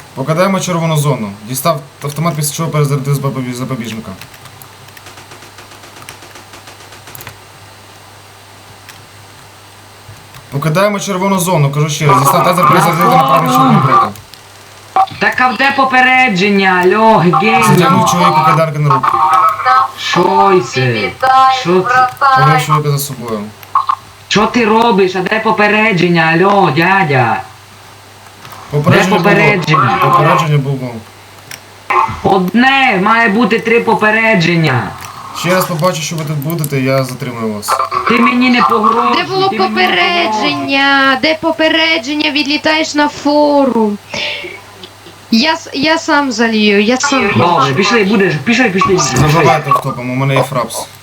Покидаємо червону зону. Дістав автомат, після чого перезарядив запобіжника. Покидаємо червону зону, кажу ще раз. Дістав тазер, перезарядив направлення червоного брика. Так а де попередження, алло, гей? Затягнув чоловіку кайданки на руку. Що це? Що це? Повів чоловіка за собою. Що ти робиш? А де попередження, алло, дядя? Попередження попередження? було. Попередження було. Одне, має бути 3 попередження. Ще раз побачу, що ви тут будете, я затримую вас. Ти мені не погрожуй. Де було ти мені не погрожуй. попередження? Де попередження? Відлітаєш на форум. Я сам залію, я сам. Добре, пішли, будеш, пішли. Забивайте автопом, у мене є фрапс.